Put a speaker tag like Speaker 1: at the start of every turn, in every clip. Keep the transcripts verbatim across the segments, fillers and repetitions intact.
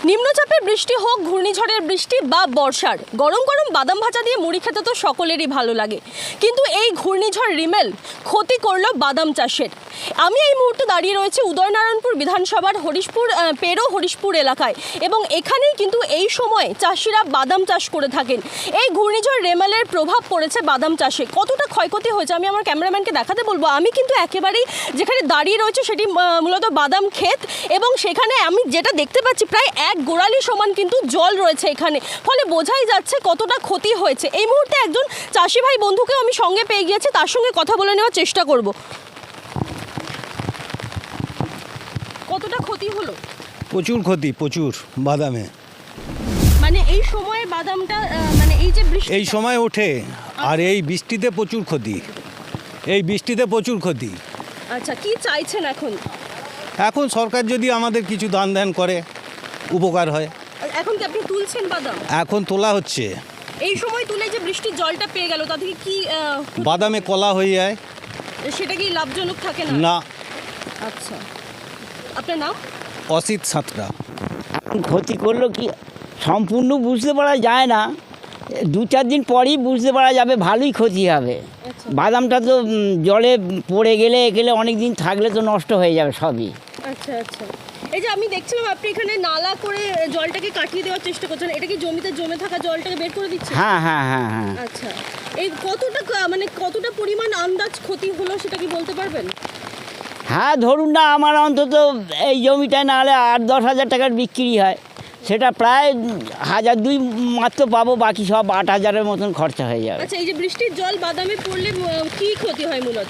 Speaker 1: নিম্নচাপের বৃষ্টি হোক, ঘূর্ণিঝড়ের বৃষ্টি বা বর্ষার, গরম গরম বাদাম ভাজা দিয়ে মুড়ি খেতে তো সকলেরই ভালো লাগে। কিন্তু এই ঘূর্ণিঝড় রিমেল ক্ষতি করলো বাদাম চাষের। আমি এই মুহূর্তে দাঁড়িয়ে রয়েছে উদয়নারায়ণপুর বিধানসভার হরিশপুর পেরো হরিশপুর এলাকায়, এবং এখানেই কিন্তু এই সময় চাষিরা বাদাম চাষ করে থাকেন। এই ঘূর্ণিঝড় রেমেলের প্রভাব পড়েছে বাদাম চাষে। কতটা ক্ষয়ক্ষতি হয়েছে আমি আমার ক্যামেরাম্যানকে দেখাতে বলবো। আমি কিন্তু একেবারেই যেখানে দাঁড়িয়ে রয়েছে সেটি মূলত বাদাম ক্ষেত, এবং সেখানে আমি যেটা দেখতে পাচ্ছি প্রায় এক গোড়ালি সমান কিন্তু জল রয়েছে এখানে, ফলে বোঝাই যাচ্ছে কতটা ক্ষতি হয়েছে। এই মুহূর্তে একজন চাষি ভাই বন্ধুকেও আমি সঙ্গে পেয়ে গিয়েছি, তার সঙ্গে কথা বলে নেওয়ার চেষ্টা করব। কতটা ক্ষতি হলো?
Speaker 2: প্রচুর ক্ষতি, প্রচুর বাদামে।
Speaker 1: মানে এই সময়ে বাদামটা মানে এই যে বৃষ্টি
Speaker 2: এই সময় ওঠে, আর এই বৃষ্টিতে প্রচুর ক্ষতি, এই বৃষ্টিতে প্রচুর ক্ষতি।
Speaker 1: আচ্ছা, কি চাইছেন এখন?
Speaker 2: এখন সরকার যদি আমাদের কিছু দান ধ্যান করে উপকার হয়।
Speaker 1: এখন কি আপনি তুলছেন বাদাম?
Speaker 2: এখন তোলা হচ্ছে।
Speaker 1: এই সময় তুলে যে বৃষ্টির জলটা পেয়ে গেল, তা থেকে কি
Speaker 2: বাদামে কলা হয়ে যায়?
Speaker 1: সেটা কি লাভজনক থাকে না?
Speaker 2: না।
Speaker 1: আচ্ছা, আপনার নাম?
Speaker 2: অসিত সাঁতরা।
Speaker 3: ক্ষতি করলো কি সম্পূর্ণ বুঝতে পারা যায় না, দু চার দিন পরেই বুঝতে পারা যাবে ভালোই ক্ষতি হবে। বাদামটা তো জলে পড়ে গেলে গেলে অনেক দিন থাকলে তো নষ্ট হয়ে যাবে সবই।
Speaker 1: আচ্ছা আচ্ছা, এই যে আমি দেখছিলাম আপনি এখানে নালা করে জলটাকে কাটিয়ে দেওয়ার চেষ্টা করছেন, এটা কি জমিতে জমে থাকা জলটাকে বের করে দিচ্ছে?
Speaker 3: হ্যাঁ হ্যাঁ হ্যাঁ হ্যাঁ।
Speaker 1: আচ্ছা, এই কতটা মানে কতটা পরিমাণ আন্দাজ ক্ষতি হলো সেটা কি বলতে পারবেন?
Speaker 3: হ্যাঁ, ধরুন না আমার অন্তত এই জমিটায় না হলে আট দশ হাজার টাকার বিক্রি হয়, সেটা প্রায় হাজার দুই মাত্র পাবো, বাকি সব আট হাজারের মতন খরচা হয়ে যাবে।
Speaker 1: আচ্ছা, এই যে বৃষ্টির জল বাদামে পড়লে কি ক্ষতি হয় মূলত?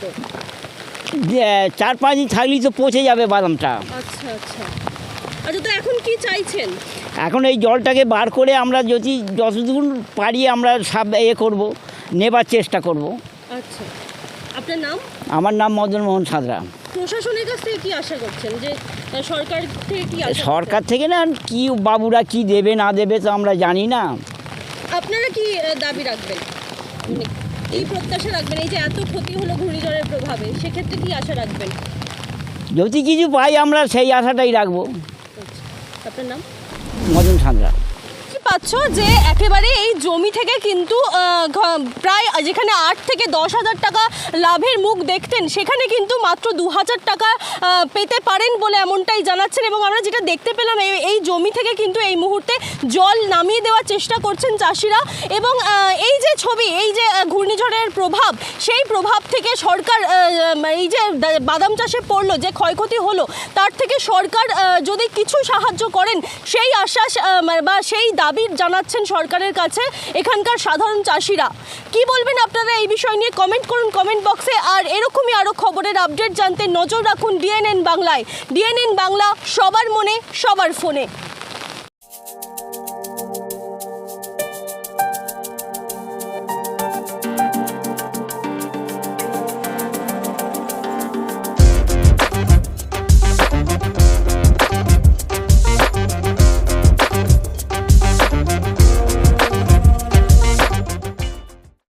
Speaker 3: চার পাঁচ দিন থাকলেই তো পচে যাবে বাদামটা।
Speaker 1: আচ্ছা আচ্ছা আচ্ছা, তো এখন কি চাইছেন?
Speaker 3: এখন এই জলটাকে বার করে আমরা যদি যতদূর পারি আমরা সব এ করবো, নেবার চেষ্টা করব।
Speaker 1: আচ্ছা, আপনার নাম?
Speaker 3: আমার নাম মদন মোহন সাঁতরা।
Speaker 1: প্রশাসনের কাছ থেকে কি আশা করছেন, যে সরকার থেকে কি আশা?
Speaker 3: সরকার থেকে না, কি বাবুরা কি দেবে না দেবে তো আমরা জানি না।
Speaker 1: আপনারা কি দাবি রাখবেন, এই প্রত্যাশা রাখবেন, এই যে এত ক্ষতি হলো ঘূর্ণিঝড়ের প্রভাবে, সেক্ষেত্রে কি আশা রাখবেন?
Speaker 3: যদি কিছু পাই আমরা সেই আশাটাই রাখবো।
Speaker 1: আপনার নাম?
Speaker 3: মদন সাঁতরা।
Speaker 1: পাচ্ছ যে একেবারে এই জমি থেকে কিন্তু প্রায় যেখানে আট থেকে দশ হাজার টাকা লাভের মুখ দেখতেন, সেখানে কিন্তু মাত্র দু হাজার টাকা পেতে পারেন বলে এমনটাই জানাচ্ছেন। এবং আমরা যেটা দেখতে পেলাম এই জমি থেকে কিন্তু এই মুহূর্তে জল নামিয়ে দেওয়ার চেষ্টা করছেন চাষিরা। এবং এই যে ছবি, এই যে ঘূর্ণিঝড়ের প্রভাব, সেই প্রভাব থেকে সরকার এই যে বাদাম চাষে পড়লো যে ক্ষয়ক্ষতি হলো, তার থেকে সরকার যদি কিছু সাহায্য করেন সেই আশ্বাস বা সেই দাবি জানাচ্ছেন সরকারের কাছে এখানকার সাধারণ চাষিরা। কি বলবেন আপনারা এই বিষয় নিয়ে? কমেন্ট করুন কমেন্ট বক্সে। আর এরকমই আরও খবরের আপডেট জানতে নজর রাখুন ডিএনএন বাংলায়। ডিএনএন বাংলা, সবার মনে সবার ফোনে।